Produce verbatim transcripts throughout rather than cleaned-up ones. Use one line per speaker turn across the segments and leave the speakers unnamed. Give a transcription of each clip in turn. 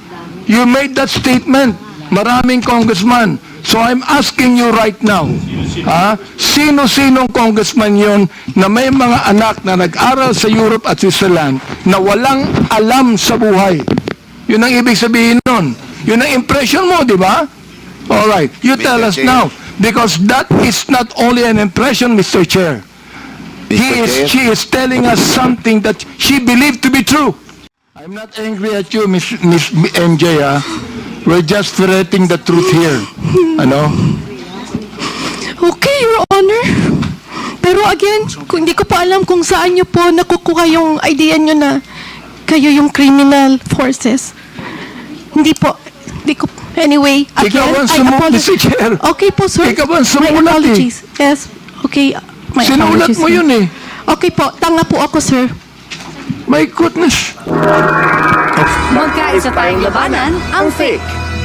You made that statement. Maraming congressman. So I'm asking you right now, ha? Sino-sinong congressman yon na may mga anak na nag-aral sa Europe at Switzerland na walang alam sa buhay? Yun ang ibig sabihin nun. Yun ang impression mo, di ba? Alright, you tell us now. Because that is not only an impression, Mister Chair. He is, she is telling us something that she believed to be true. I'm not angry at you, Miss, Miss M J, ha? We're just ferreting the truth here. Ano?
Okay, Your Honor. Pero again, kung hindi ko pa alam kung saan niyo po nakukuha yung idea niyo na kayo yung criminal forces. Hindi po. Hindi ko. Anyway, again,
Ikaw ang
I
sumulat,
apologize.
Mister Chair.
Okay po, sir.
Ikaw ang
My
sumulat, eh.
apologies. Yes. Okay. My
Sinulat
apologies,
mo
sir.
yun eh.
Okay po. Tanga po ako, sir.
My goodness.
Magkaisa tayong labanan, ang fake.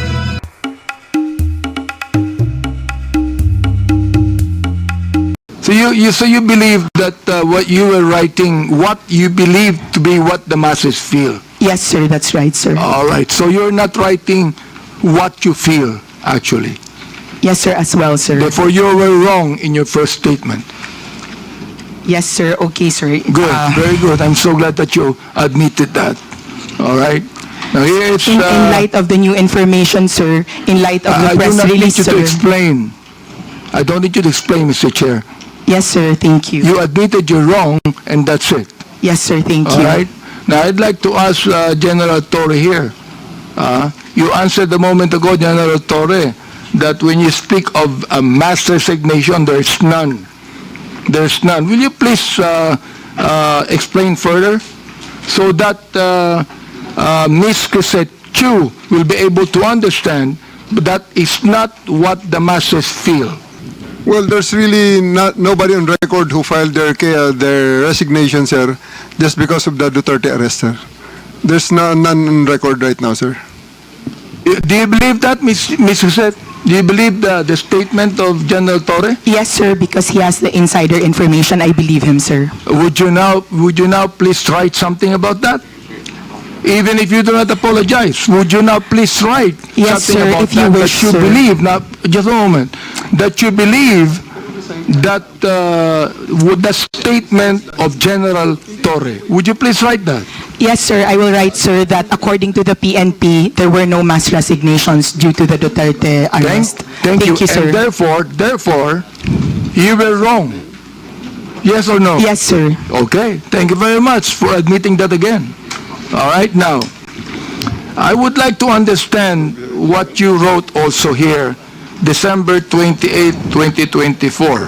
So you, you so you believe that uh, what you were writing, what you believe to be what the masses feel.
Yes, sir. That's right, sir.
All right. So you're not writing what you feel, actually.
Yes, sir, as well, sir.
Therefore, you were wrong in your first statement.
Yes, sir. Okay, sir.
Good.
Uh,
Very good. I'm so glad that you admitted that. All right. Now here it's.
in, in
Uh,
light of the new information, sir, in light of
I, I
the
do
press
not need
release,
you to
sir.
explain. I don't need you to explain, Mister Chair.
Yes, sir. Thank you.
You admitted you're wrong, and that's it.
Yes, sir. Thank
All
you.
right. Now I'd like to ask uh, General Torre here. Uh, you answered a moment ago, General Torre, that when you speak of a mass resignation, there's none. There's none. Will you please uh, uh, explain further so that uh, uh, Miz Crisette Chu will be able to understand that is not what the masses feel?
Well, there's really not nobody on record who filed their ca- their resignation, sir, just because of the Duterte arrest, sir. There's no, none on record right now, sir.
Uh, Do you believe that, Miz Miz Crisette? Do you believe the, the statement of General Torre?
Yes, sir, because he has the insider information. I believe him, sir.
Would you now would you now please write something about that? Even if you do not apologize, would you now please write
Yes,
something
sir,
about
if you
that
wish,
that you
sir.
believe? Now, just a moment. That you believe that uh, with the statement of General Torre. Would you please write that?
Yes, sir. I will write, sir, that according to the P N P, there were no mass resignations due to the Duterte
Thank,
arrest.
thank, you.
sir.
And therefore, therefore, you were wrong. Yes or no?
Yes, sir.
Okay, thank you very much for admitting that again. All right, now, I would like to understand what you wrote also here, December twenty-eighth, twenty twenty-four.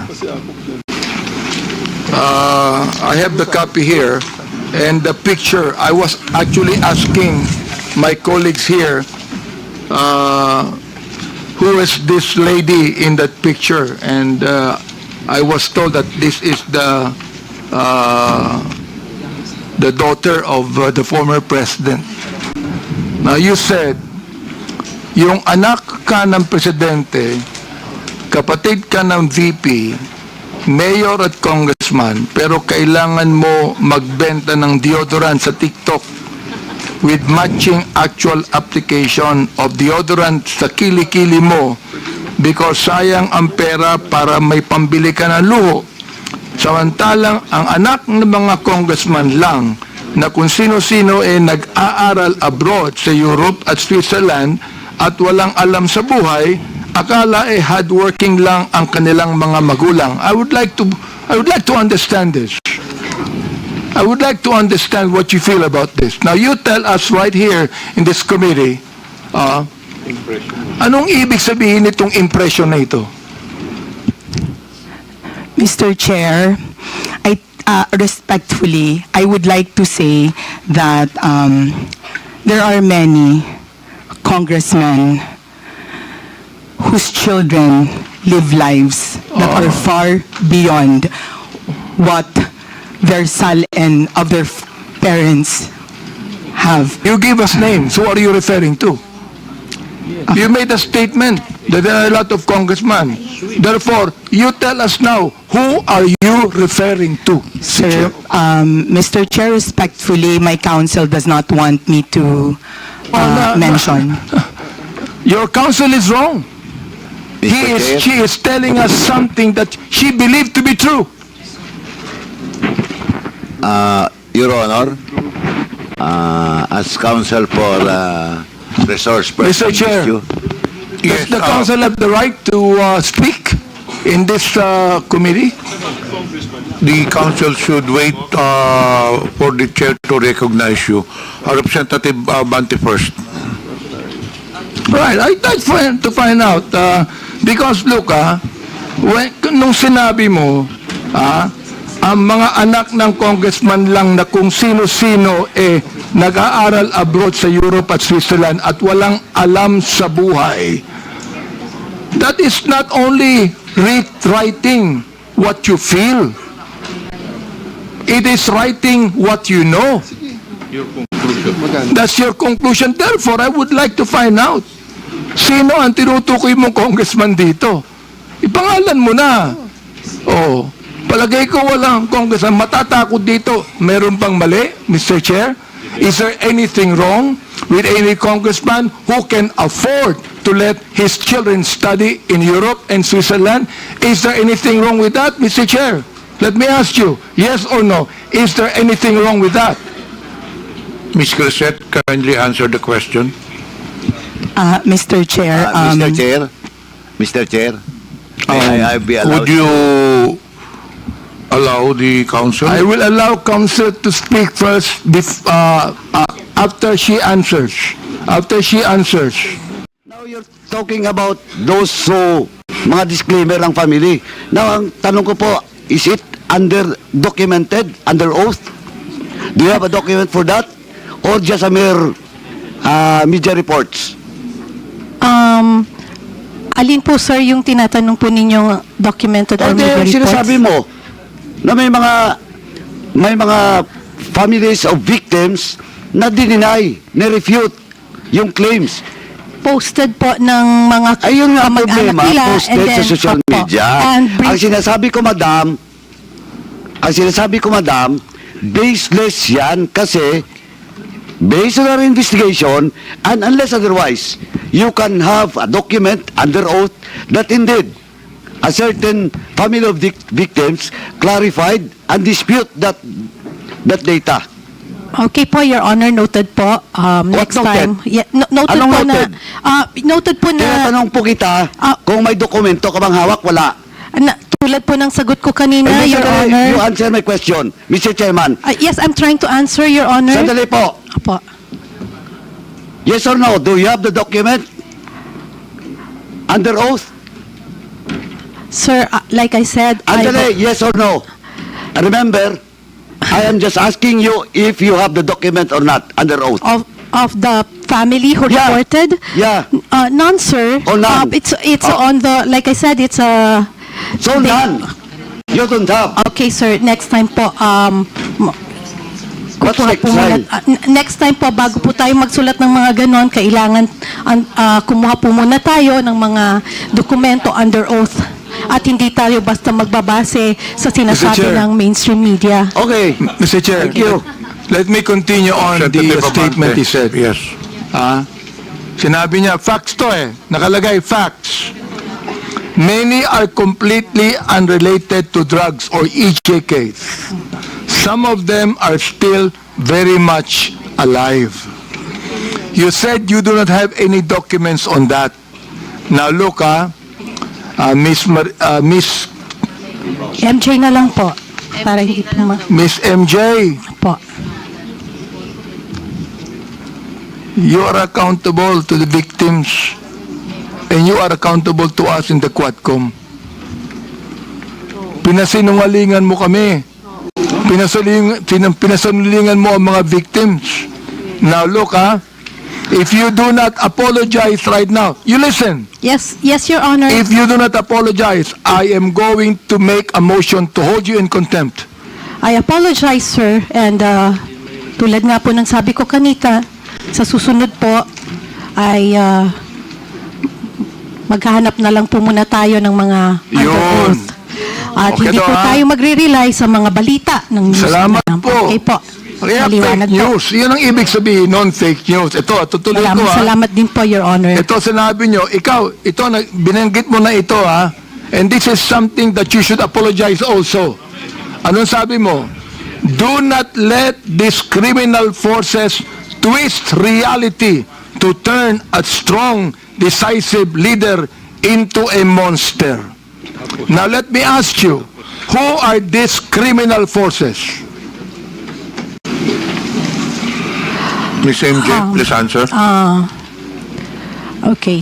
Uh, I have the copy here, and the picture, I was actually asking my colleagues here, uh, who is this lady in that picture, and uh, I was told that this is the uh, the daughter of uh, the former president. Now you said, yung anak ka ng presidente, kapatid ka ng V P, mayor at congressman, pero kailangan mo magbenta ng deodorant sa TikTok with matching actual application of deodorant sa kilikili mo because sayang ang pera para may pambili ka ng luho. Samantalang ang anak ng mga congressman lang na kung sino-sino eh nag-aaral abroad sa Europe at Switzerland at walang alam sa buhay, akala eh hardworking lang ang kanilang mga magulang. I would like to I would like to understand this. I would like to understand what you feel about this. Now you tell us right here in this committee, uh, anong ibig sabihin nitong impression na ito?
Mister Chair, I uh, respectfully, I would like to say that um, there are many congressmen whose children live lives that are far beyond what their son and other f- parents have.
You give us names. Who are you referring to? You made a statement that there are a lot of congressmen. Therefore, you tell us now, who are you referring to?
Sir, um, Mister Chair, respectfully, my counsel does not want me to uh,
na-
mention.
Your counsel is wrong. He
Mister
is,
Chair.
she is telling us something that she believed to be true.
Uh, Your Honor, uh, as counsel for uh, resource
Mister
person
Chair.
issue.
Does the council have the right to uh, speak in this uh, committee?
The council should wait uh, for the chair to recognize you. Uh, Representative uh, Banti first.
Right, I'd like find, to find out. Uh, because look, ah, when, nung sinabi mo, ah, ang mga anak ng congressman lang na kung sino-sino eh nag-aaral abroad sa Europe at Switzerland at walang alam sa buhay. That is not only writing what you feel. It is writing what you know. That's your conclusion. Therefore, I would like to find out sino ang tinutukoy mong congressman dito. Ipangalan mo na. Oh, palagay ko walang congressman. Matatakot dito. Meron bang mali, Mister Chair? Is there anything wrong with any congressman who can afford to let his children study in Europe and Switzerland? Is there anything wrong with that, Mister Chair? Let me ask you, yes or no, is there anything wrong with that?
Miz Crisette, kindly answer the question.
Uh, Mister Chair,
Uh, Mister
um,
Chair, Mister Chair, may I, I be allowed?
Would you allow the council?
I will allow counsel to speak first bef- uh, uh, after she answers. After she answers.
Now you're talking about those so mga disclaimer ng family. Now ang tanong ko po, is it under documented, under oath? Do you have a document for that? Or just a mere uh, media reports?
Um, alin po, sir, yung tinatanong po ninyong documented or
Or
media
yung
reports?
sinasabi mo na may mga may mga families of victims na dininay, na-refute yung claims.
Posted po ng mga
Ayun nga ang
kamag-anak
problema,
nila, and
posted
then,
sa social
opo,
media.
and
Ang
brief-
sinasabi ko, madam, ang sinasabi ko, madam, baseless yan kasi based on our investigation and unless otherwise, you can have a document under oath that indeed a certain family of vic- victims clarified and dispute that that data.
Okay po, Your Honor, noted po. Um,
What
next
noted?
time. Yeah, no- noted
Anong
po
noted?
na, ah, noted po na,
Tinatanong po kita
Ah.
kung may dokumento ka bang hawak, wala.
na, tulad po ng sagot ko kanina,
Eh,
Your
Mister
Honor.
You answer my question, Mister Chairman.
Ah, yes, I'm trying to answer, Your Honor.
Sandali po.
Apo.
Yes or no? Do you have the document? Under oath?
Sir, ah, like I said, I,
Andale, yes or no? Remember, I am just asking you if you have the document or not under oath.
of of the family who
Yeah.
reported?
Yeah.
Uh, none, sir.
Oh, none.
Uh, it's it's
Oh.
on the, like I said, it's a...
So
they-
none. You don't have.
Okay, sir. Next time po, um, m-
What's
kukuha
next
po muna-
time?
ah, n- next time po, bago po tayo magsulat ng mga ganon, kailangan an- ah, kumuha po muna tayo ng mga dokumento under oath. At hindi tayo basta magbabase sa sinasabi
Chair.
ng mainstream media.
Okay.
Mister Chair,
Thank you.
let me continue on the
Representative
uh, statement
Abante.
he said.
Yes.
Ah, sinabi niya, facts to eh. Nakalagay, facts. Many are completely unrelated to drugs or E J Ks. Some of them are still very much alive. You said you do not have any documents on that. Now look, ah, uh, Miss Mar- uh, Miss
M J na lang po. Para hindi po ma...
Miss M J,
Po.
you are accountable to the victims and you are accountable to us in the Quadcom. Pinasinungalingan mo kami. Pinasaling, pinam- pinasinungalingan mo ang mga victims. Now look, ha, if you do not apologize right now, you listen.
Yes, yes, Your Honor.
If you do not apologize, I am going to make a motion to hold you in contempt.
I apologize, sir. And uh, tulad nga po ng sabi ko kanita, sa susunod po ay uh, maghahanap na lang po muna tayo ng mga under
Yun.
oath. At
Okay
hindi
to,
po
ha?
tayo magre-rely sa mga balita ng news.
Salamat
na lang.
po.
Okay po.
Kaya
Maliwanag
fake
po.
news. Yun ang ibig sabihin, non-fake news. Ito, tutuloy ko
Maraming
ha.
salamat din po, Your Honor.
Ito sinabi nyo, ikaw, ito, na- binanggit mo na ito ha. And this is something that you should apologize also. Anong sabi mo? Do not let these criminal forces twist reality to turn a strong, decisive leader into a monster. Now let me ask you, who are these criminal forces?
Miss M J,
Um,
please answer.
Ah, okay.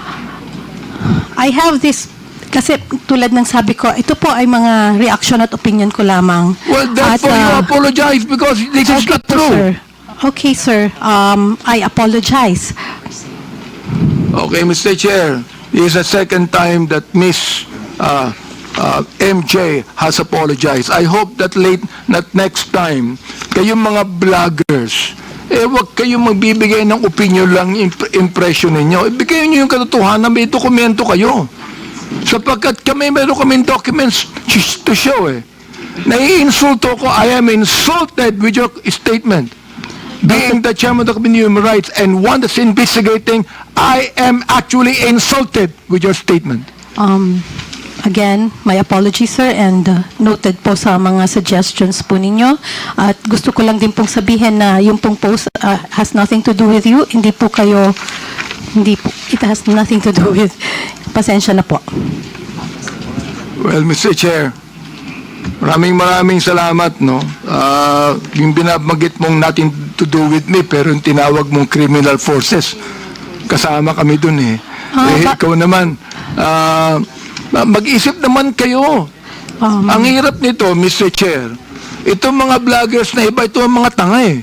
I have this, kasi tulad ng sabi ko, ito po ay mga reaction at opinion ko lamang.
Well, therefore
At,
you
ah,
apologize because this is
okay
not
po,
true.
sir. Okay, sir. Um, I apologize.
Okay, Mister Chair, this is the second time that Miss uh, uh, M J has apologized. I hope that late, that next time, kayong mga vloggers, eh wag kayong magbibigay ng opinion lang, imp- impression ninyo. Ibigay niyo yung katotohanan, may dokumento kayo. Sapagkat kami, meron kaming documents to show eh. Naiinsulto ko, I am insulted with your statement. Being the chairman of the Committee on Human Rights and one that's investigating, I am actually insulted with your statement.
Um, again, my apology, sir, and uh, noted po sa mga suggestions po ninyo. At gusto ko lang din pong sabihin na yung pong post uh, has nothing to do with you. Hindi po kayo, hindi po, it has nothing to do with, pasensya na po.
Well, Mister Chair, maraming maraming salamat, no? Ah, yung binabanggit mong nothing to do with me, pero yung tinawag mong criminal forces, kasama kami dun eh.
Ah,
eh,
ba-
ikaw naman, ah, mag-isip naman kayo.
Um,
Ang hirap nito, Mister Chair, itong mga vloggers na iba, ito ang mga tanga eh.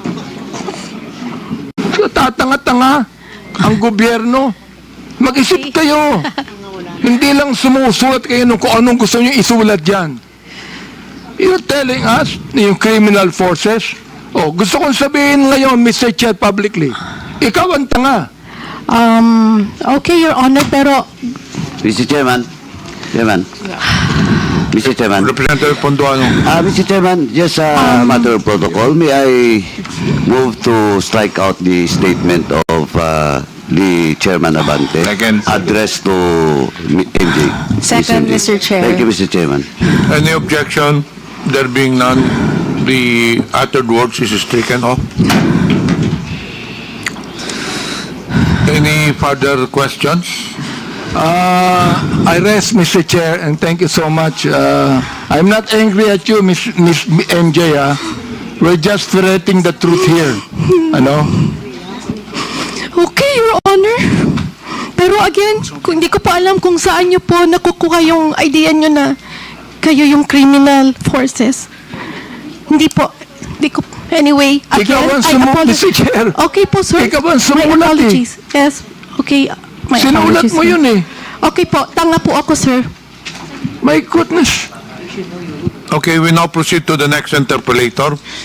Tatanga-tanga ang gobyerno. Mag-isip kayo. Hindi lang sumusulat kayo nung kung anong gusto nyo isulat dyan. You're telling us, yung criminal forces, oh, gusto kong sabihin ngayon, Mister Chair, publicly, ikaw ang tanga.
um, okay, Your Honor, pero
Mister Chairman, Chairman, Mister Chairman,
Representative Ponduano.
uh, Mister Chairman, just a matter of protocol, may I move to strike out the statement of uh, the Chairman Abante
Second.
addressed to M J.
Second,
Miss
Mister
M J.
Chair.
Thank you, Mister Chairman.
Any objection? There being none, the uttered words is stricken off. Any further questions?
Uh, I rest, Mister Chair, and thank you so much. Uh, I'm not angry at you, Miss, Miss M J, ah. We're just ferreting the truth here. Ano?
Okay, Your Honor. Pero again, kung hindi ko pa alam kung saan nyo po nakukuha yung idea nyo na kayo yung criminal forces. Hindi po. Hindi ko, anyway, again,
Ikaw ang
I
sumu-
apologize.
Mister Chair.
Okay po, sir.
Ikaw ang
My
sumulat eh.
apologies. Yes. Okay. My
Sinulat
apologies,
mo
sir.
yun eh.
Okay po. Tanga po ako, sir.
My goodness.
Okay, we now proceed to the next interpolator.